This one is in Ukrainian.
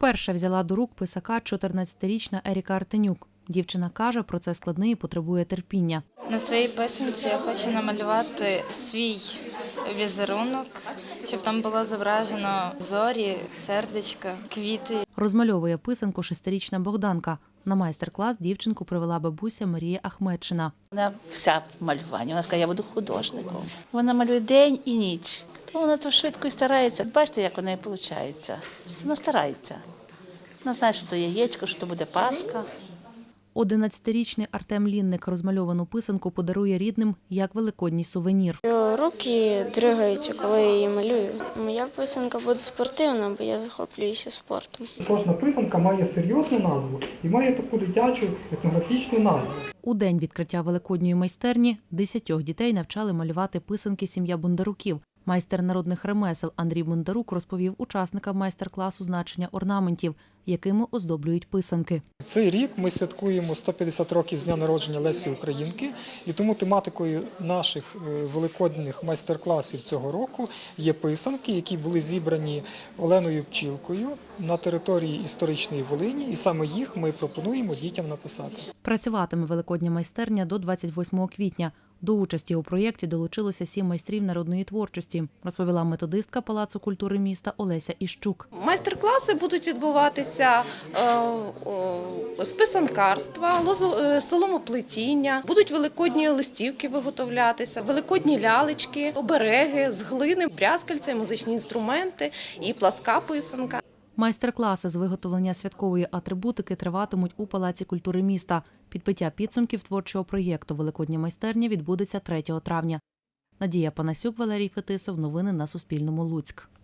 Вперше взяла до рук писака 14-річна Еріка Артенюк. Дівчина каже, процес складний і потребує терпіння. На своїй писанці я хочу намалювати свій візерунок, щоб там було зображено зорі, сердечка, квіти. Розмальовує писанку 6-річна Богданка. На майстер-клас дівчинку привела бабуся Марія Ахметшина. Вона вся в малюванні. Вона сказала, я буду художником. Вона малює день і ніч. То вона то швидко і старається. Бачите, як у неї виходить. Вона старається. Вона знає, що то яєчко, що то буде паска. 11-річний Артем Лінник розмальовану писанку подарує рідним як великодній сувенір. Руки дриваються, коли я її малюю. Моя писанка буде спортивна, бо я захоплююся спортом. Кожна писанка має серйозну назву і має таку дитячу етнографічну назву. У день відкриття великодньої майстерні 10 дітей навчали малювати писанки сім'я Бондаруків. Майстер народних ремесел Андрій Бондарук розповів учасникам майстер-класу значення орнаментів, якими оздоблюють писанки. Цей рік ми святкуємо 150 років з дня народження Лесі Українки, і тому тематикою наших великодніх майстер-класів цього року є писанки, які були зібрані Оленою Пчілкою на території історичної Волині, і саме їх ми пропонуємо дітям написати. Працюватиме великодня майстерня до 28 квітня. До участі у проєкті долучилося 7 майстрів народної творчості, розповіла методистка Палацу культури міста Олеся Іщук. Майстер-класи будуть відбуватися з писанкарства, соломоплетіння, будуть великодні листівки виготовлятися, великодні лялечки, обереги з глини, брязкальця, музичні інструменти і пласка писанка. Майстер-класи з виготовлення святкової атрибутики триватимуть у Палаці культури міста. Підбиття підсумків творчого проєкту «Великодня майстерня» відбудеться 3 травня. Надія Панасюк, Валерій Фетисов. Новини на Суспільному. Луцьк.